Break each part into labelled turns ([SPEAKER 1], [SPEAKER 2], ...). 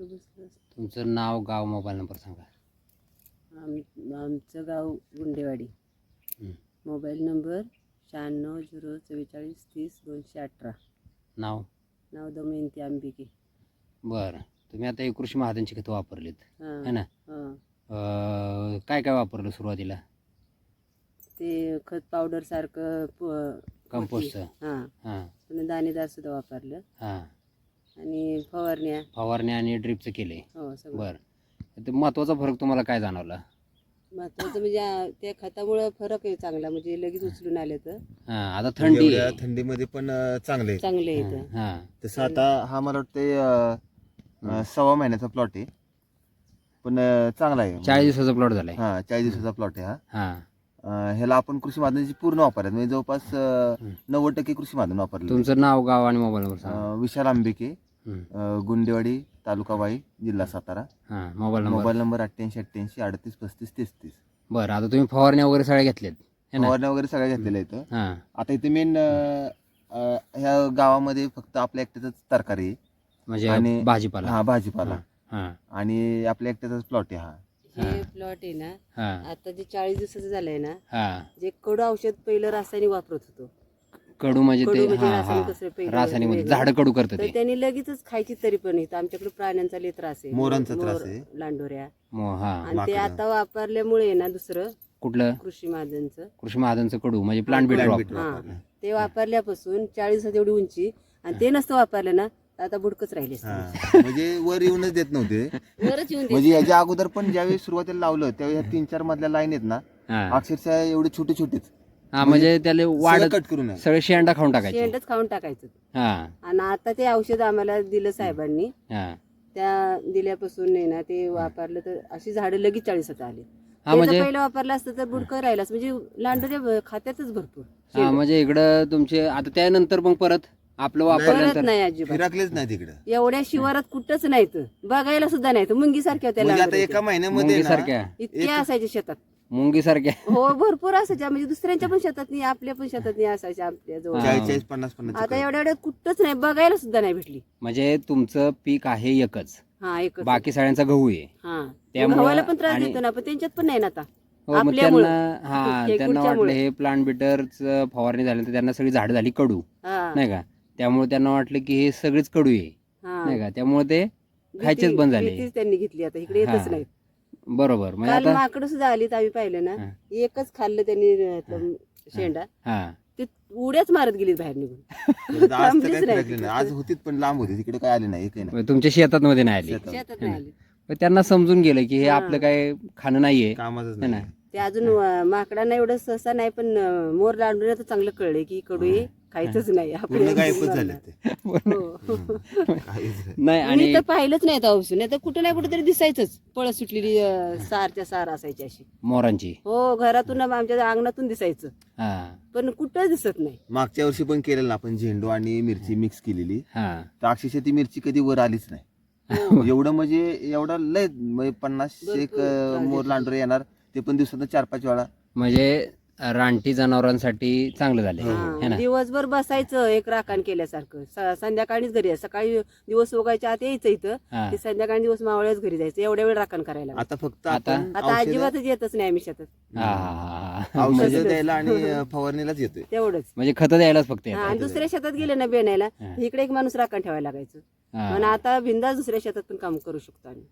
[SPEAKER 1] दुसरं
[SPEAKER 2] तुमचं नाव, गाव, मोबाईल नंबर सांगा.
[SPEAKER 1] आमचं गाव गुंडेवाडी.
[SPEAKER 2] हं.
[SPEAKER 1] Mobile number 96 044 30 218.
[SPEAKER 2] नाव?
[SPEAKER 1] नाव दमयंती आंबिके.
[SPEAKER 2] बरं. तुम्ही आता हे कृषी महाजनची खतं वापरलीत है ना? काय काय वापरलं सुरुवातीला?
[SPEAKER 1] ते खत पावडर सारखं
[SPEAKER 2] कंपोस्टचं?
[SPEAKER 1] हां
[SPEAKER 2] हां
[SPEAKER 1] पुन्हा दाणेदार सुद्धा वापरलं
[SPEAKER 2] हां.
[SPEAKER 1] आणि
[SPEAKER 2] फवारण्या आणि ड्रिपचं केलंय.
[SPEAKER 1] हो सगळं.
[SPEAKER 2] बरं. ते महत्त्वाचा फरक तुम्हाला काय जाणवला?
[SPEAKER 1] महत्वाचं म्हणजे त्या खतामुळं फरक आहे चांगला, म्हणजे लगेच उचलून आले तर.
[SPEAKER 2] हां. आता थंडी आहे.
[SPEAKER 3] थंडीमध्ये पण चांगले
[SPEAKER 1] चांगले येतं.
[SPEAKER 2] हां.
[SPEAKER 3] तसं आता हा मला वाटते 6 महिन्याचा प्लॉट आहे, पण चांगला आहे.
[SPEAKER 2] 40 दिवसाचा प्लॉट झालाय.
[SPEAKER 3] हा 40 दिवसाचा प्लॉट आहे हा.
[SPEAKER 2] हां.
[SPEAKER 3] ह्याला आपण कृषी माध्यमाची पूर्ण वापरतात, म्हणजे जवळपास 90% कृषी माध्यम वापरले.
[SPEAKER 2] तुमचं नाव, गाव आणि मोबाईल नंबर सांगा.
[SPEAKER 3] विशाल आंबिके,
[SPEAKER 2] हं.
[SPEAKER 3] गुंडेवाडी, तालुका वाई, जिल्हा सातारा.
[SPEAKER 2] हां. Mobile number?
[SPEAKER 3] Mobile number 88 88 38 35 33.
[SPEAKER 2] बरं. आता तुम्ही फवारण्या वगैरे सगळ्या घेतल्यात है ना?
[SPEAKER 3] फवारण्या वगैरे सगळ्या घेतलेल्या आहेत.
[SPEAKER 2] हां.
[SPEAKER 3] आता इथे मेन ह्या गावामध्ये फक्त आपल्या एकट्याचाच तरकारी आहे.
[SPEAKER 2] म्हणजे
[SPEAKER 3] आणि
[SPEAKER 2] भाजीपाला?
[SPEAKER 3] हा भाजीपाला.
[SPEAKER 2] हां.
[SPEAKER 3] आणि आपल्या एकट्याचाच प्लॉट आहे हा.
[SPEAKER 1] हे प्लॉट आहे ना,
[SPEAKER 2] हां.
[SPEAKER 1] आता जे 40 दिवसाचं झालंय ना,
[SPEAKER 2] हां.
[SPEAKER 1] जे कडू औषध पहिलं रासायनिक वापरत होतो.
[SPEAKER 2] कडू म्हणजे ते?
[SPEAKER 1] कडू म्हणजे
[SPEAKER 2] हां
[SPEAKER 1] रासायनिक
[SPEAKER 2] हां.
[SPEAKER 1] कसं पहिलं
[SPEAKER 2] रासायनिक म्हणजे
[SPEAKER 1] वेगळं.
[SPEAKER 2] झाडं कडू करतं
[SPEAKER 1] तर
[SPEAKER 2] ते?
[SPEAKER 1] त्यांनी लगेचच खायची तरी पण येतं. आमच्याकडे प्राण्यांचा लय त्रास आहे,
[SPEAKER 3] मोरांचा त्रास
[SPEAKER 1] मोर,
[SPEAKER 3] आहे.
[SPEAKER 1] लांडोऱ्या.
[SPEAKER 2] हां.
[SPEAKER 1] आणि ते
[SPEAKER 3] माकडं.
[SPEAKER 1] आता वापरल्यामुळे ना दुसरं
[SPEAKER 2] कुठलं?
[SPEAKER 1] कृषी महाजनचं
[SPEAKER 2] कृषी महाजनचं कडू म्हणजे प्लांट
[SPEAKER 3] Plant
[SPEAKER 2] बिल्डर?
[SPEAKER 3] Bitter
[SPEAKER 1] हां
[SPEAKER 3] वापरलं.
[SPEAKER 1] ते वापरल्यापासून 40 दिवसात एवढी उंची, आणि ते नसतं वापरलं ना आता बुडकच राहिले.
[SPEAKER 3] हा. म्हणजे वर येऊनच देत नव्हते.
[SPEAKER 1] वरच येऊन
[SPEAKER 3] म्हणजे याच्या अगोदर पण ज्यावेळी सुरुवातीला लावलं त्यावेळी ह्या 3-4 मधल्या लाईन आहेत ना,
[SPEAKER 2] हां.
[SPEAKER 3] अक्षरशः एवढे छोटे छोटेच
[SPEAKER 2] हां. म्हणजे त्याला वाढत
[SPEAKER 3] कट करून आहे.
[SPEAKER 2] सगळे शेंडा खाऊन टाकायचे?
[SPEAKER 1] शेंडच खाऊन टाकायचं.
[SPEAKER 2] हां.
[SPEAKER 1] आणि आता ते औषध आम्हाला दिलं साहेबांनी,
[SPEAKER 2] हां.
[SPEAKER 1] त्या दिल्यापासून नाही ना ते वापरलं तर अशी झाडं लगेच 40 आले.
[SPEAKER 2] हां. म्हणजे
[SPEAKER 1] पहिलं वापरलं असतं तर बुडकं राहिलाच, म्हणजे लांडोऱ्या खात्यातच भरपूर.
[SPEAKER 2] हां. म्हणजे इकडं तुमचे आता त्यानंतर मग परत आपलं
[SPEAKER 1] परत
[SPEAKER 2] वापरल्यानंतर
[SPEAKER 1] नाही अजिबात.
[SPEAKER 3] फिरकलेच नाही तिकडे.
[SPEAKER 1] एवढ्या शिवारात कुठंच नाहीत, बघायला सुद्धा नाहीत. मुंगी सारख्या होत्या
[SPEAKER 3] म्हणजे आता
[SPEAKER 1] लांडोऱ्या
[SPEAKER 3] एका
[SPEAKER 1] त्या.
[SPEAKER 3] महिन्यामध्ये
[SPEAKER 2] मुंगी
[SPEAKER 3] ना,
[SPEAKER 2] सारख्या?
[SPEAKER 1] इतक्या असायच्या शेतात.
[SPEAKER 2] मुंगी सारख्या?
[SPEAKER 1] हो भरपूर असायच्या, म्हणजे दुसऱ्यांच्या पण शेतात नाही, आपल्या पण शेतात नाही असायच्या आपल्या जवळ.
[SPEAKER 3] 40-50
[SPEAKER 1] आता एवढ्या कुठंच नाही, बघायला सुद्धा नाही भेटली.
[SPEAKER 2] म्हणजे तुमचं पीक आहे एकच,
[SPEAKER 1] हा एकच.
[SPEAKER 2] बाकी सगळ्यांचा गहू आहे.
[SPEAKER 1] हा
[SPEAKER 2] त्यामुळं
[SPEAKER 1] गव्हाला पण त्रास
[SPEAKER 2] आणि-
[SPEAKER 1] देतो ना, पण त्यांच्यात पण नाही ना आता.
[SPEAKER 2] हो. मग
[SPEAKER 1] आपल्यामुळं.
[SPEAKER 2] त्यांना हां
[SPEAKER 1] हे
[SPEAKER 2] त्यांना
[SPEAKER 1] कुठच्यामुळं?
[SPEAKER 2] वाटलं हे प्लांट बिटरचं फवारणी झाल्यानंतर त्यांना सगळी झाडं झाली कडू,
[SPEAKER 1] हा
[SPEAKER 2] नाही का? त्यामुळे त्यांना वाटलं की हे सगळीच कडू आहे,
[SPEAKER 1] हा.
[SPEAKER 2] नाही का? त्यामुळे ते खायचेच बंद झाले.
[SPEAKER 1] भीतीच त्यांनी घेतली, आता इकडे येतच
[SPEAKER 2] हा.
[SPEAKER 1] नाही.
[SPEAKER 2] बरोबर. म्हणजे
[SPEAKER 1] काल
[SPEAKER 2] आता
[SPEAKER 1] माकडं सुद्धा आली, आम्ही पाहिलं ना,
[SPEAKER 2] हा.
[SPEAKER 1] एकच खाल्लं त्यांनी त्यातलं शेंडा,
[SPEAKER 2] हां.
[SPEAKER 1] ते उड्याच मारत गेली बाहेर निघून.
[SPEAKER 3] आज तर काय
[SPEAKER 1] थांबलीच नाही.
[SPEAKER 3] फिरकले नाही. आज होतीच पण लांब होती, तिकडे काय आले नाही, काही नाही.
[SPEAKER 2] मग तुमच्या शेतात मध्ये नाही आली?
[SPEAKER 3] शेतात.
[SPEAKER 1] शेतात नाही आली.
[SPEAKER 2] मग त्यांना समजून गेलं की हे
[SPEAKER 1] हा.
[SPEAKER 2] आपलं काय खाणं नाहीये,
[SPEAKER 3] कामातच
[SPEAKER 2] है ना?
[SPEAKER 3] नाही.
[SPEAKER 1] ते अजून माकडांना एवढं सहसा नाही, पण मोर लांडून तर चांगलं कळलंय की कडू हे खायचंच नाही
[SPEAKER 3] पूर्ण गायबच
[SPEAKER 1] आपल्या.
[SPEAKER 3] झाले ते.
[SPEAKER 1] हो.
[SPEAKER 3] काहीच नाही.
[SPEAKER 2] नाही.
[SPEAKER 1] मी
[SPEAKER 2] आणि
[SPEAKER 1] तर पाहिलंच नाही आता औषध, नाही तर कुठं नाही कुठं तरी दिसायचंच, पळत सुटलेली सारच्या सार असायची अशी.
[SPEAKER 2] मोरांची?
[SPEAKER 1] हो घरातून आमच्या अंगणातून दिसायचं,
[SPEAKER 2] हां
[SPEAKER 1] पण कुठंच दिसत नाही.
[SPEAKER 3] मागच्या वर्षी पण केलेलं ना आपण, झेंडू आणि मिरची मिक्स केलेली,
[SPEAKER 2] हां.
[SPEAKER 3] तर अक्षरशः ती मिरची कधी वर आलीच नाही.
[SPEAKER 1] हो.
[SPEAKER 3] एवढं म्हणजे एवढा लय म्हणजे 50-1
[SPEAKER 1] भरपूर
[SPEAKER 3] मोर लांडोरे येणार, ते पण दिवसात 4-5 वेळा.
[SPEAKER 2] म्हणजे रानटी जनावरांसाठी चांगलं झालंय, है
[SPEAKER 1] हा,
[SPEAKER 2] ना?
[SPEAKER 1] दिवसभर बसायचं एक राखण केल्यासारखं. संध्याकाळीच घरी यायचं. सकाळी दिवस उगायच्या आत यायचं इथं,
[SPEAKER 2] हां.
[SPEAKER 1] ते संध्याकाळी दिवस मावळ्याच घरी जायचं. एवढ्या वेळ राखण करायला.
[SPEAKER 3] आता फक्त
[SPEAKER 2] आता-
[SPEAKER 3] आपण
[SPEAKER 1] आता अजिबातच येतच नाही आम्ही शेतात,
[SPEAKER 2] हां.
[SPEAKER 3] औषध द्यायला आणि फवारणीलाच येतोय.
[SPEAKER 1] तेवढंच.
[SPEAKER 2] म्हणजे खतं द्यायलाच फक्त
[SPEAKER 1] हा,
[SPEAKER 2] येतात.
[SPEAKER 1] आणि दुसऱ्या शेतात गेले ना बेनायला,
[SPEAKER 2] हा.
[SPEAKER 1] इकडे एक माणूस राखण ठेवायला लागायचं.
[SPEAKER 2] हां.
[SPEAKER 1] पण आता बिंदास दुसऱ्या शेतात पण काम करू शकतो आम्ही.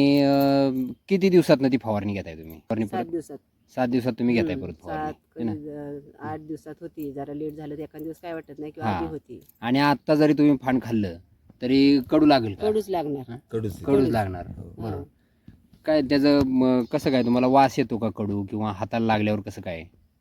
[SPEAKER 2] आणि किती दिवसात ती फवारणी घेताय तुम्ही?
[SPEAKER 1] 7 दिवसात.
[SPEAKER 2] 7 दिवसात तुम्ही घेताय
[SPEAKER 1] हम्म,
[SPEAKER 2] परत
[SPEAKER 1] 7
[SPEAKER 2] फवारणी, है ना?
[SPEAKER 1] 8 दिवसात होती. जरा लेट झालं तर एखाद दिवस काय वाटत नाही, किंवा
[SPEAKER 2] हा.
[SPEAKER 1] आधी होती.
[SPEAKER 2] आणि आता जरी तुम्ही फान खाल्लं तरी कडू लागेल का?
[SPEAKER 1] कडूच लागणार.
[SPEAKER 3] कडूच.
[SPEAKER 2] कडूच लागणार.
[SPEAKER 1] हा.
[SPEAKER 2] बरोबर. काय त्याचं कसं काय तुम्हाला वास येतो का कडू, किंवा हाताला लागल्यावर कसं काय?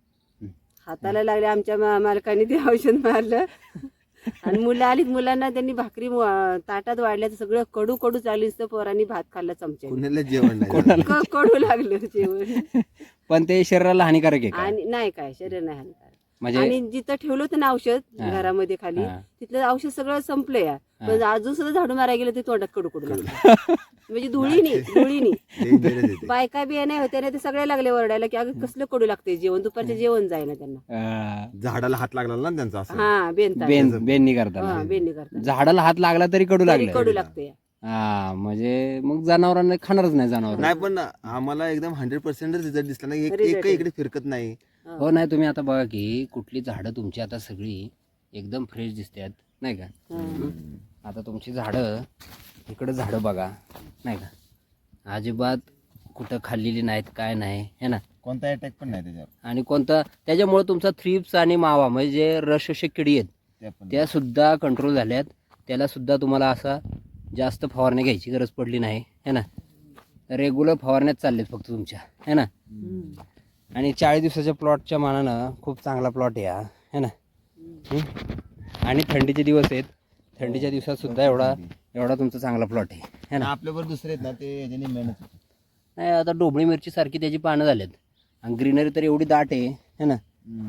[SPEAKER 1] हाताला लागले. आमच्या मालकाने ते औषध मारलं आणि मुलं आलीत, मुलांना त्यांनी भाकरी ताटात वाढल्या तर सगळं कडू कडू चालली, पोरांनी भात खाल्ला चमच्या.
[SPEAKER 3] कुणाला जेवण नाही.
[SPEAKER 1] कडू लागलं जेवण.
[SPEAKER 2] पण ते शरीराला हानिकारक आहे का?
[SPEAKER 1] आणि नाही काय, शरीर नाही हानिकारक.
[SPEAKER 2] म्हणजे
[SPEAKER 1] आणि जिथं ठेवलं होतं ना औषध
[SPEAKER 2] हा.
[SPEAKER 1] घरामध्ये खाली,
[SPEAKER 2] हा.
[SPEAKER 1] तिथलं औषध सगळं संपलं या.
[SPEAKER 2] हा.
[SPEAKER 1] पण अजून सुद्धा झाडू मारायला गेलं ते तोंडात कडू कडू लागलं. म्हणजे धुळीनी
[SPEAKER 3] Dangerous आहे ते.
[SPEAKER 1] बायका बिया नाही होत्या ना, ते सगळे लागले ओरडायला की अगं कसलं कडू लागते जेवण, दुपारचं जेवण जायना त्यांना.
[SPEAKER 3] झाडाला हात लागला ना त्यांचा असं.
[SPEAKER 1] हा बेनता.
[SPEAKER 2] बेननी करताना
[SPEAKER 1] हा बेननी करतात.
[SPEAKER 2] झाडाला हात लागला तरी कडू
[SPEAKER 1] तरी
[SPEAKER 2] लागलं?
[SPEAKER 1] कडू लागते.
[SPEAKER 2] हा म्हणजे मग जनावरांना खाणारच नाही जनावर.
[SPEAKER 3] नाही पण आम्हाला एकदम 100% रिझल्ट दिसला नाही.
[SPEAKER 1] Result
[SPEAKER 3] एक
[SPEAKER 1] आहे.
[SPEAKER 3] इकडे फिरकत नाही.
[SPEAKER 2] हो नाही तुम्ही आता बघा की कुठली झाडं तुमची आता सगळी एकदम फ्रेश दिसतात नाही का. आता तुमची झाडं इकडं झाडं बघा नाही का अजिबात कुठं खाल्लेली नाहीत काय नाही है ना.
[SPEAKER 3] कोणता अटॅक पण नाही त्याच्यावर.
[SPEAKER 2] आणि कोणता त्याच्यामुळे तुमचा थ्रिप्स आणि मावा म्हणजे जे रसशोषक किडी आहेत त्या सुद्धा कंट्रोल झाल्यात. त्याला सुद्धा तुम्हाला असा जास्त फवारणी घ्यायची गरज पडली नाही है ना. रेग्युलर फवारण्यात चाललेत फक्त तुमच्या है ना. आणि 40 दिवसाच्या प्लॉटच्या मानानं खूप चांगला प्लॉट आहे हा है ना. आणि थंडीचे दिवस आहेत. थंडीच्या दिवसात सुद्धा एवढा तुमचा चांगला प्लॉट आहे है ना.
[SPEAKER 3] आपल्यावर दुसरे आहेत ना ते याच्याने मेहनत.
[SPEAKER 2] नाही आता डोबळी मिरची सारखी त्याची पानं झालेत आणि ग्रीनरी तर एवढी दाट आहे है ना.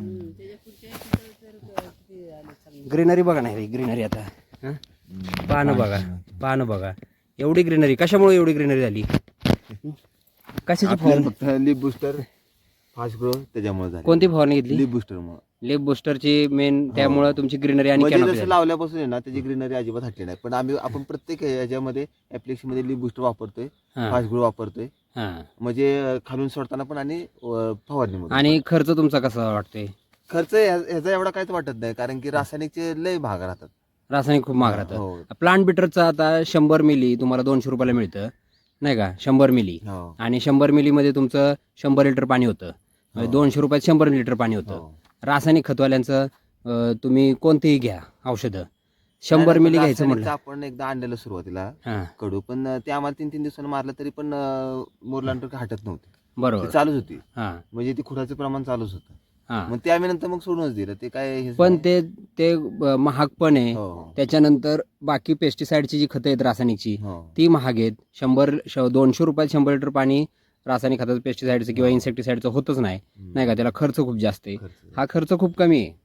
[SPEAKER 2] ग्रीनरी बघा नाही ग्रीनरी आता हं? पानं बघा एवढी ग्रीनरी. कशामुळे एवढी ग्रीनरी झाली कशाची फवारणी.
[SPEAKER 3] फक्त लिप बुस्टर फास्ट ग्रो त्याच्यामुळे झाली.
[SPEAKER 2] कोणती फवारणी घेतली.
[SPEAKER 3] लिप बुस्टर मुळे.
[SPEAKER 2] लेप बुस्टरची मेन त्यामुळे तुमची ग्रीनरी आणि
[SPEAKER 3] म्हणजे
[SPEAKER 2] canopy
[SPEAKER 3] जसं
[SPEAKER 2] झाली.
[SPEAKER 3] लावल्यापासून आहे ना त्याची ग्रीनरी अजिबात हटली नाही. पण आपण प्रत्येक याच्यामध्ये ऍप्लिकेशन मध्ये लिप बुस्टर वापरतोय,
[SPEAKER 2] हां,
[SPEAKER 3] फास्ट ग्रो वापरतोय.
[SPEAKER 2] हां.
[SPEAKER 3] म्हणजे खालून सोडताना पण आणि फवारणीमध्ये.
[SPEAKER 2] आणि खर्च तुमचा कसा वाटतोय.
[SPEAKER 3] खर्च ह्याचा एवढा काहीच वाटत नाही कारण की रासायनिकचे लय भाग राहतात.
[SPEAKER 2] रासायनिक खूप महाग राहतं.
[SPEAKER 3] हो.
[SPEAKER 2] प्लांट बिटरचा आता 100 मिली तुम्हाला 200 रुपयाला मिळतं नाही का. 100 मिली
[SPEAKER 3] हो.
[SPEAKER 2] आणि 100 मिलीमध्ये तुमचं 100 लिटर पाणी होतं. म्हणजे 200 रुपयात 100 लिटर पाणी होतं.
[SPEAKER 3] हो.
[SPEAKER 2] रासायनिक खतवाल्यांचं तुम्ही कोणतेही घ्या औषधं 100 मिली घ्यायचं
[SPEAKER 3] रासायनिकचं
[SPEAKER 2] म्हटलं.
[SPEAKER 3] आपण एकदा आणलेलं सुरुवातीला
[SPEAKER 2] हां
[SPEAKER 3] कडू, पण ते आम्हाला 3-3 दिवसांनी मारलं तरी पण मोरलांटर हटत नव्हते.
[SPEAKER 2] बरोबर.
[SPEAKER 3] ते चालूच होती.
[SPEAKER 2] हां
[SPEAKER 3] म्हणजे ते खुडाचं प्रमाण चालूच होतं.
[SPEAKER 2] हां.
[SPEAKER 3] मग ते आम्ही नंतर मग सोडूनच दिलं. ते काय हेच
[SPEAKER 2] पण
[SPEAKER 3] नाही.
[SPEAKER 2] ते महाग पण आहे.
[SPEAKER 3] हो.
[SPEAKER 2] त्याच्यानंतर बाकी पेस्टिसाइडची जी खतं आहेत रासायनिकची
[SPEAKER 3] हो.
[SPEAKER 2] ती महाग आहेत. 200 रुपयात 100 लिटर पाणी रासायनिक खताचं पेस्टिसाइडचं किंवा इन्सेक्टिसाइडचं होतच नाही नाही का. त्याला खर्च खूप जास्त आहे.
[SPEAKER 3] खर्च.
[SPEAKER 2] हा खर्च खूप कमी आहे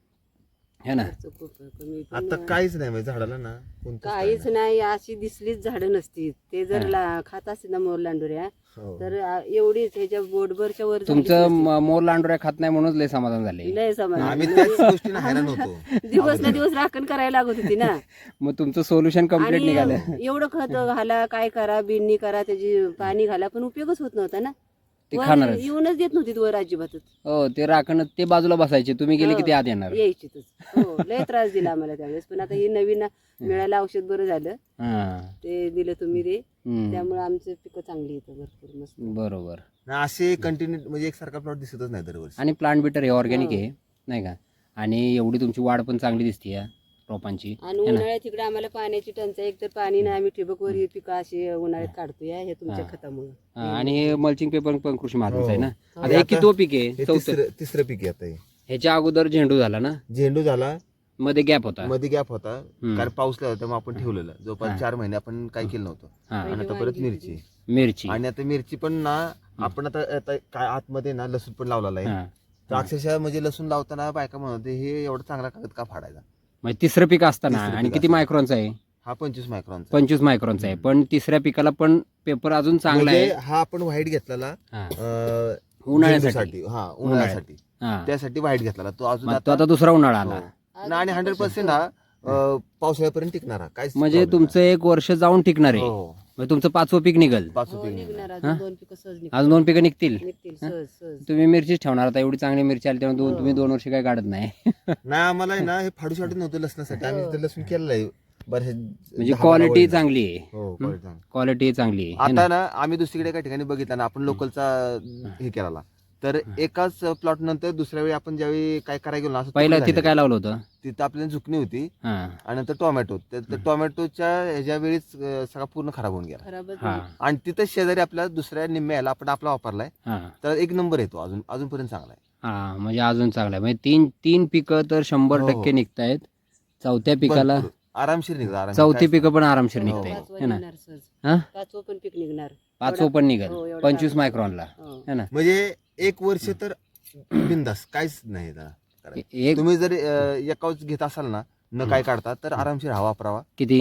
[SPEAKER 2] है ना.
[SPEAKER 1] खर्च खूप कमी पण
[SPEAKER 3] आता काहीच नाही म्हणजे झाडाला ना कोणतंच
[SPEAKER 1] काहीच
[SPEAKER 3] काय
[SPEAKER 1] नाही. अशी दिसलीच झाडं नसती. ते जर खात असतील ना मोरलांडोऱ्या
[SPEAKER 3] हो.
[SPEAKER 1] तर एवढीच ह्याच्या बोटभरच्या वर झालीच
[SPEAKER 2] तुमचं
[SPEAKER 1] नसती.
[SPEAKER 2] मोर लांडोऱ्या खात नाही म्हणूनच लय समाधान झाले.
[SPEAKER 1] लय समाधान.
[SPEAKER 3] आम्ही त्याच गोष्टीने हैराण होतो.
[SPEAKER 1] दिवस ना दिवस राखण करायला लागत होती ना.
[SPEAKER 2] मग तुमचं सोल्युशन कम्प्लीट
[SPEAKER 1] आणि
[SPEAKER 2] निघालं.
[SPEAKER 1] एवढं खत घाला काय करा बिननी करा त्याची पाणी घाला पण उपयोगच होत नव्हता ना.
[SPEAKER 2] ते
[SPEAKER 1] वर
[SPEAKER 2] खाणारच.
[SPEAKER 1] येऊनच देत नव्हती वर अजिबातच.
[SPEAKER 2] हो ते राखण ते बाजूला बसायचे तुम्ही गेले की ते आत येणार.
[SPEAKER 1] यायचीच. हो लय त्रास दिला आम्हाला त्यावेळेस. पण आता हे नवीन मिळालं औषध बरं झालं.
[SPEAKER 2] हां.
[SPEAKER 1] ते दिलं तुम्ही ते
[SPEAKER 2] हम्म.
[SPEAKER 1] त्यामुळे आमचे पिकं चांगली येतं भरपूर मस्त.
[SPEAKER 2] बरोबर.
[SPEAKER 3] ना असे कंटिन्यू म्हणजे एकसारखा प्लॉट दिसतच नाही दरवर्षी.
[SPEAKER 2] आणि प्लांट बिटर हे ऑर्गॅनिक
[SPEAKER 1] हो.
[SPEAKER 2] आहे नाही का. आणि एवढी तुमची वाढ पण चांगली दिसते या रोपांची
[SPEAKER 1] आणि
[SPEAKER 2] है ना.
[SPEAKER 1] उन्हाळ्यात तिकडे आम्हाला पाण्याची टंचाई. एक तर पाणी नाही. आम्ही ठिबकवर ही पिकं अशी उन्हाळ्यात काढतोय हे तुमच्या खतामुळे.
[SPEAKER 2] हां, आणि हे मल्चिंग पेपर पण कृषी महाराज आहे ना.
[SPEAKER 1] हो.
[SPEAKER 2] आता हे कितवं पीक आहे.
[SPEAKER 3] हे
[SPEAKER 2] चौथं.
[SPEAKER 3] तिसरं पीक आहे आता हे.
[SPEAKER 2] ह्याच्या अगोदर झेंडू झाला ना.
[SPEAKER 3] झेंडू झाला,
[SPEAKER 2] मध्ये गॅप होता.
[SPEAKER 3] मध्ये गॅप होता
[SPEAKER 2] हम्म.
[SPEAKER 3] कारण पाऊस लागला होता. मग आपण ठेवलेलं
[SPEAKER 2] हां.
[SPEAKER 3] जवळपास 4 महिने आपण काही केलं नव्हतं.
[SPEAKER 2] हां.
[SPEAKER 3] आणि आता परत मिरची.
[SPEAKER 2] मिरची.
[SPEAKER 3] आणि आता मिरची पण ना आपण आता काय आतमध्ये ना लसूण पण लावलेला आहे.
[SPEAKER 2] हां.
[SPEAKER 3] तर अक्षरशः म्हणजे लसूण लावताना बायका म्हणत होते, हे एवढा चांगला कागद का फाडायचा.
[SPEAKER 2] म्हणजे तिसरं पीक असताना
[SPEAKER 3] तिसरं
[SPEAKER 2] आणि
[SPEAKER 3] पीक
[SPEAKER 2] किती
[SPEAKER 3] असताना.
[SPEAKER 2] मायक्रॉनचा आहे.
[SPEAKER 3] हा 25 मायक्रॉनचा.
[SPEAKER 2] 25 मायक्रॉनचा आहे. पण तिसऱ्या पिकाला पण पेपर अजून चांगला
[SPEAKER 3] म्हणजे
[SPEAKER 2] आहे.
[SPEAKER 3] हा आपण व्हाईट घेतलेला
[SPEAKER 2] हां.
[SPEAKER 3] उन्हाळ्यासाठी.
[SPEAKER 2] उन्हाळ्यासाठी.
[SPEAKER 3] हा उन्हाळ्यासाठी.
[SPEAKER 2] हां.
[SPEAKER 3] त्यासाठी व्हाईट घेतलेला तो अजून
[SPEAKER 2] मग तो आता दुसरा उन्हाळा आला.
[SPEAKER 3] हो. आणि 100% हा पावसाळ्यापर्यंत टिकणारा काय
[SPEAKER 2] म्हणजे तुमचं 1 वर्ष जाऊन टिकणार आहे.
[SPEAKER 3] हो.
[SPEAKER 2] म्हणजे तुमचं 5वं पीक निघल.
[SPEAKER 3] पाच
[SPEAKER 1] हो,
[SPEAKER 3] पीक
[SPEAKER 1] निघणार
[SPEAKER 3] निघणार.
[SPEAKER 1] अजून
[SPEAKER 2] हां?
[SPEAKER 1] 2 पिकं सहज
[SPEAKER 2] अजून 2 पिकं निघतील.
[SPEAKER 1] निघतील सहज सहज.
[SPEAKER 2] तुम्ही मिरचीच ठेवणार आता. एवढी चांगली मिरची आली तेव्हा
[SPEAKER 1] हो.
[SPEAKER 2] तुम्ही 2 वर्ष काय काढत नाही.
[SPEAKER 3] नाही आम्हाला आहे ना हे फाडू शाडू नव्हतं लसणासाठी. आम्ही तिथं लसूण केलेलं आहे बरं.
[SPEAKER 2] म्हणजे क्वालिटी चांगली आहे.
[SPEAKER 3] हो quality चांगली.
[SPEAKER 2] क्वालिटी चांगली आहे है ना?
[SPEAKER 3] आता ना आम्ही दुसरीकडे एका ठिकाणी बघितलं ना आपण लोकलचा हे केला तर एकाच प्लॉट नंतर दुसऱ्या वेळी आपण ज्यावेळी काय करायला गेलो ना असं
[SPEAKER 2] पहिलं
[SPEAKER 3] तुकडे
[SPEAKER 2] तिथं
[SPEAKER 3] झालेले.
[SPEAKER 2] काय लावलं होतं.
[SPEAKER 3] तिथं आपल्याला झुकणी होती
[SPEAKER 2] हां.
[SPEAKER 3] आणि नंतर टोमॅटो. तर टोमॅटोच्या ह्याच्या वेळीच सगळा पूर्ण खराब होऊन गेला.
[SPEAKER 1] खराबच
[SPEAKER 2] हां.
[SPEAKER 3] आणि तिथं शेजारी आपल्या दुसऱ्या निम्म्याला आपण आपला वापरलाय
[SPEAKER 2] हां.
[SPEAKER 3] तर 1 नंबर येतो अजूनपर्यंत चांगला आहे.
[SPEAKER 2] हां. म्हणजे अजून चांगलं आहे. म्हणजे तीन पिकं तर 100%
[SPEAKER 3] हो.
[SPEAKER 2] निघतायत. चौथ्या पिकाला
[SPEAKER 3] भरपूर. आरामशीर निघतो आरामशीर.
[SPEAKER 2] चौथी
[SPEAKER 3] काहीच
[SPEAKER 2] पिकं पण आरामशीर
[SPEAKER 3] हो.
[SPEAKER 2] निघताय
[SPEAKER 1] पाचवं
[SPEAKER 2] है ना.
[SPEAKER 1] निघणार सहज.
[SPEAKER 2] हां.
[SPEAKER 1] 5वं पण पीक निघणार.
[SPEAKER 2] 5वं पण
[SPEAKER 1] हो,
[SPEAKER 2] निघल
[SPEAKER 1] एवढं
[SPEAKER 2] 25
[SPEAKER 1] आराम.
[SPEAKER 2] मायक्रॉनला
[SPEAKER 1] हो.
[SPEAKER 2] है ना.
[SPEAKER 3] म्हणजे 1 वर्ष तर बिंदास काहीच नाही त्याला करायचं.
[SPEAKER 2] एक
[SPEAKER 3] तुम्ही जर एकाच घेत असाल ना न काय काढता तर आरामशीर हा वापरावा.
[SPEAKER 2] किती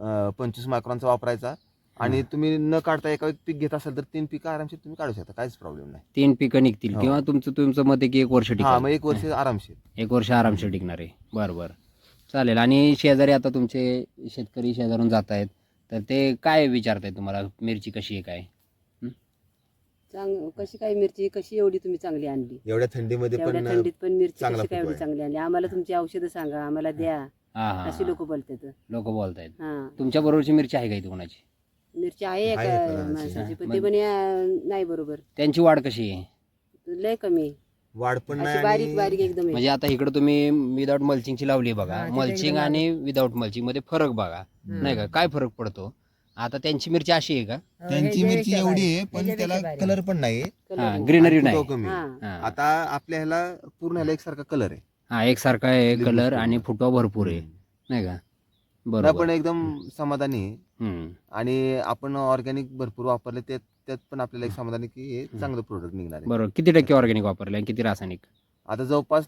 [SPEAKER 3] 25 मायक्रॉनचा वापरायचा. आणि तुम्ही न काढता एका पीक घेत असाल तर 3 पिकं आरामशीर तुम्ही काढू शकता. काहीच प्रॉब्लेम नाही.
[SPEAKER 2] 3 पिकं निघतील
[SPEAKER 3] हो.
[SPEAKER 2] किंवा तुमचं मत आहे की 1 वर्ष
[SPEAKER 3] हा
[SPEAKER 2] टिकल.
[SPEAKER 3] मग 1 वर्ष आरामशीर.
[SPEAKER 2] 1 वर्ष आरामशीर टिकणार आहे. बरं बरं चालेल. आणि शेजारी आता तुमचे शेतकरी शेजारून जात आहेत तर ते काय विचारताय तुम्हाला मिरची कशी आहे काय?
[SPEAKER 1] कशी काय मिरची कशी एवढी तुम्ही चांगली आणली,
[SPEAKER 3] एवढ्या थंडीमध्ये
[SPEAKER 1] एवढ्या
[SPEAKER 3] पण
[SPEAKER 1] थंडीत पण मिरची
[SPEAKER 3] चांगला
[SPEAKER 1] कशी काय
[SPEAKER 3] फुटवा
[SPEAKER 1] एवढी
[SPEAKER 3] आहे.
[SPEAKER 1] चांगली आणली, आम्हाला तुमची औषधं सांगा, आम्हाला द्या,
[SPEAKER 2] हा हा
[SPEAKER 1] अशी लोक बोलतात.
[SPEAKER 2] लोक बोलतायत.
[SPEAKER 1] हा
[SPEAKER 2] तुमच्या बरोबरची मिरची आहे का इथे कोणाची?
[SPEAKER 1] मिरची आहे
[SPEAKER 3] आहे
[SPEAKER 1] एका
[SPEAKER 3] एका जणाची.
[SPEAKER 1] माणसाची, पण
[SPEAKER 2] मग-
[SPEAKER 1] ते पण नाही बरोबर,
[SPEAKER 2] त्यांची वाढ कशी आहे?
[SPEAKER 1] लय कमी,
[SPEAKER 3] वाढ पण
[SPEAKER 1] अशी
[SPEAKER 3] नाही
[SPEAKER 1] बारीक
[SPEAKER 3] आणि
[SPEAKER 1] बारीक एकदम आहे.
[SPEAKER 2] म्हणजे आता इकडे तुम्ही विदाऊट मल्चिंगची लावली बघा,
[SPEAKER 1] हा, तिथे
[SPEAKER 2] मल्चिंग
[SPEAKER 1] एकदम
[SPEAKER 2] आणि विदाऊट मल्चिंग मध्ये फरक बघा, नाही का? काय फरक पडतो? आता त्यांची मिरची अशी आहे का?
[SPEAKER 3] त्यांची मिरची एवढी आहे पण त्याला कलर पण नाही,
[SPEAKER 2] हा, ग्रीनरी
[SPEAKER 3] आणि
[SPEAKER 2] नाही.
[SPEAKER 3] फुटवा कमी.
[SPEAKER 1] हा.
[SPEAKER 2] हा.
[SPEAKER 3] आता आपल्या ह्याला पूर्ण ह्याला एकसारखा कलर आहे.
[SPEAKER 2] हा, एकसारखा आहे
[SPEAKER 3] लिंबू
[SPEAKER 2] कलर
[SPEAKER 3] फुटवा.
[SPEAKER 2] आणि फुटवा भरपूर आहे, नाही का?
[SPEAKER 3] नाही,
[SPEAKER 2] बरोबर.
[SPEAKER 3] पण एकदम समाधानी आहे.
[SPEAKER 2] हम्म.
[SPEAKER 3] आणि आपण ऑर्गॅनिक भरपूर वापरले त्यात पण आपल्याला एक समाधानी की हे चांगलं प्रोडक्ट निघणार आहे.
[SPEAKER 2] बरोबर. किती टक्के ऑर्गॅनिक वापरले आणि किती रासायनिक?
[SPEAKER 3] आता जवळपास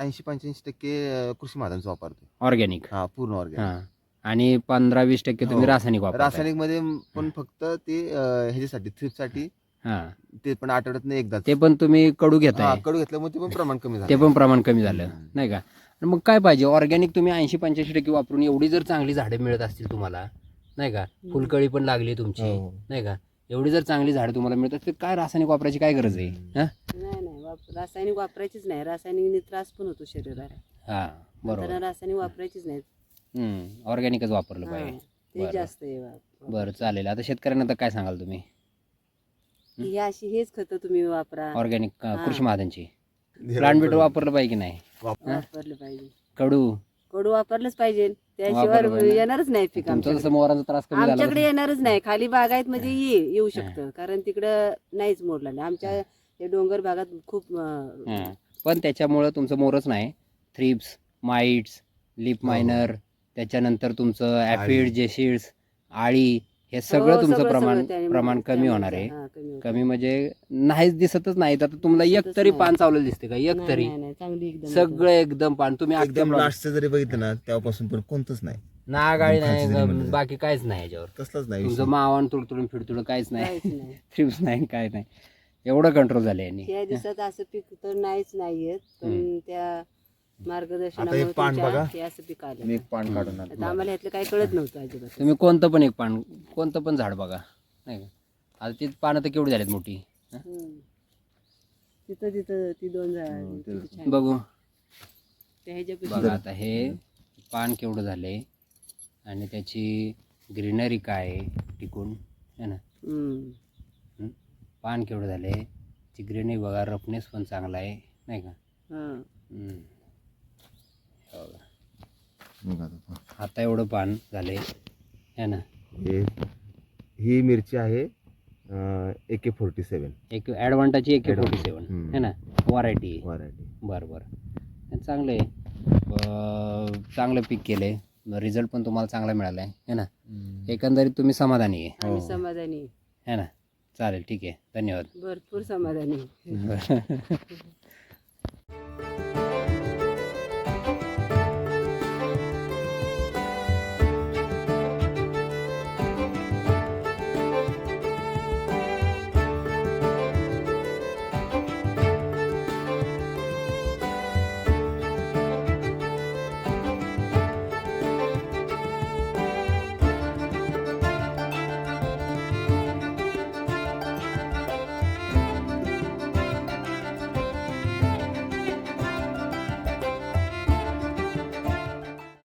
[SPEAKER 3] 80-85% कृषी माध्यमचं वापरतो.
[SPEAKER 2] ऑर्गॅनिक.
[SPEAKER 3] हा, पूर्ण ऑर्गॅनिक.
[SPEAKER 2] हा, आणि 15-20% तुम्ही
[SPEAKER 3] हो.
[SPEAKER 2] रासायनिक वापरताय.
[SPEAKER 3] रासायनिक मध्ये पण फक्त ते ह्याच्यासाठी थ्रिप्ससाठी,
[SPEAKER 2] हा,
[SPEAKER 3] ते पण आठवड्यातनं एकदा.
[SPEAKER 2] ते पण तुम्ही कडू घेताय,
[SPEAKER 3] कडू घेतल्यामुळे ते पण प्रमाण कमी
[SPEAKER 2] ते
[SPEAKER 3] झालं.
[SPEAKER 2] पण प्रमाण कमी झालं,
[SPEAKER 3] हम्म.
[SPEAKER 2] नाही का? आणि मग काय पाहिजे? ऑर्गॅनिक तुम्ही 80-85% वापरून एवढी जर चांगली झाडे मिळत असतील तुम्हाला, नाही का? फुलकळी पण लागली तुमची,
[SPEAKER 3] हो.
[SPEAKER 2] नाही का? एवढी जर चांगली झाडं तुम्हाला मिळतात तर काय रासायनिक वापरायची काय गरज आहे? हा,
[SPEAKER 1] नाही रासायनिक वापरायचीच नाही, रासायनिकने त्रास पण होतो शरीराला,
[SPEAKER 2] हा, बरोबर.
[SPEAKER 1] त्यांना रासायनिक वापरायचीच नाही.
[SPEAKER 2] ऑर्गॅनिकच वापरलं
[SPEAKER 1] हा,
[SPEAKER 2] पाहिजे.
[SPEAKER 1] ते
[SPEAKER 2] बरं.
[SPEAKER 1] जास्त आहे
[SPEAKER 2] बरं, चालेल. आता शेतकऱ्यांना तर काय सांगाल तुम्ही?
[SPEAKER 1] ही अशी हेच खतं तुम्ही वापरा,
[SPEAKER 2] ऑर्गॅनिक
[SPEAKER 1] हा.
[SPEAKER 2] कृषी महाजनची प्लांट बेटर वापरलं पाहिजे की नाही?
[SPEAKER 1] वापरलं पाहिजे,
[SPEAKER 2] कडू
[SPEAKER 1] कडू वापरलंच पाहिजे,
[SPEAKER 2] वापरलं
[SPEAKER 1] त्याशिवाय
[SPEAKER 2] पाहिजे.
[SPEAKER 1] येणारच नाही पीक
[SPEAKER 2] तुमचा
[SPEAKER 1] आमच्याकडे.
[SPEAKER 2] जसं मोहराचा त्रास कमी झाला
[SPEAKER 1] आमच्याकडे
[SPEAKER 2] तसं-
[SPEAKER 1] येणारच नाही, खाली बागायत मध्ये येऊ शकतं, कारण तिकडं नाहीच मोडला नाही. आमच्या या डोंगर भागात खूप
[SPEAKER 2] हा. पण त्याच्यामुळं तुमचं मोरच नाही, थ्रिप्स, माइट्स, लिप मायनर, त्याच्यानंतर तुमचं ऍफिड, जेसिड्स, आळी, हे सगळं
[SPEAKER 1] हो,
[SPEAKER 2] तुमचं
[SPEAKER 1] सगळं
[SPEAKER 2] प्रमाण
[SPEAKER 1] त्याने-
[SPEAKER 2] प्रमाण कमी
[SPEAKER 1] त्यामुळे
[SPEAKER 2] होणार आहे.
[SPEAKER 1] हा, कमी होतं.
[SPEAKER 2] कमी म्हणजे नाहीच दिसतच नाही. आता तुम्हाला एक
[SPEAKER 1] दिसतच
[SPEAKER 2] तरी
[SPEAKER 1] नाही.
[SPEAKER 2] पान चावलेलं दिसते का? एक
[SPEAKER 1] नाही,
[SPEAKER 2] तरी?
[SPEAKER 1] नाही, चांगली एकदम
[SPEAKER 2] सगळं एकदम पान तुम्ही
[SPEAKER 3] एकदम
[SPEAKER 2] अख्ख्या
[SPEAKER 3] लास्टचं जरी बघितलं ना तेव्हापासून पण कोणतंच नाही,
[SPEAKER 2] नागाळी
[SPEAKER 3] खालची जरी
[SPEAKER 2] नाही,
[SPEAKER 3] म्हणलं.
[SPEAKER 2] बाकी काहीच नाही याच्यावर.
[SPEAKER 3] कसलंच नाही
[SPEAKER 2] तुमचं
[SPEAKER 3] विषय.
[SPEAKER 2] मावान तुडतुडून फिडतुडून काहीच नाही,
[SPEAKER 1] काहीच नाही.
[SPEAKER 2] थ्रिप्स नाही, काय नाही. एवढं कंट्रोल झालं यांनी.
[SPEAKER 1] या दिवसात असं पीक तर नाहीच नाहीयेत, पण त्या मार्गदर्शनामुळे
[SPEAKER 3] आता एक पान
[SPEAKER 1] तुमच्या
[SPEAKER 3] बघा.
[SPEAKER 1] हे असं पीक आलं.
[SPEAKER 3] मी एक पान काढून आणतो.
[SPEAKER 1] आता आम्हाला ह्यातलं काही कळत नव्हतं अजिबात.
[SPEAKER 2] तुम्ही कोणतं पण एक पान, कोणतं पण झाड बघा, नाही का? आता ती पानं तर केवढी झालीत मोठी.
[SPEAKER 1] हम्म. तिथं तिथं ती दोन झाड किती छान.
[SPEAKER 2] बघू
[SPEAKER 1] त्या ह्याच्यापेक्षा
[SPEAKER 2] बघा आता हे पान केवढं झालंय आणि त्याची ग्रीनरी काय आहे टिकून, है ना?
[SPEAKER 1] हम्म.
[SPEAKER 2] पान केवढं झालंय, ती ग्रीनरी बघा, रफनेस पण चांगला आहे, नाही का?
[SPEAKER 1] हा.
[SPEAKER 2] हम्म. हे बघा.
[SPEAKER 3] बघा आता.
[SPEAKER 2] आता एवढं पान झालंय, है ना?
[SPEAKER 3] ही मिरची आहे AK-47
[SPEAKER 2] एक ॲडव्हान्टाची AK-47,
[SPEAKER 3] हम्म.
[SPEAKER 2] है ना? व्हरायटी.
[SPEAKER 3] व्हरायटी.
[SPEAKER 2] बरं बरं, चांगलं आहे. चांगलं पीक केलंय, रिझल्ट पण तुम्हाला चांगला मिळाला आहे, है ना? एकंदरीत तुम्ही समाधानी आहे,
[SPEAKER 1] आम्ही समाधानी आहे.
[SPEAKER 2] है ना? चालेल, ठीक आहे, धन्यवाद.
[SPEAKER 1] भरपूर समाधानी आहे.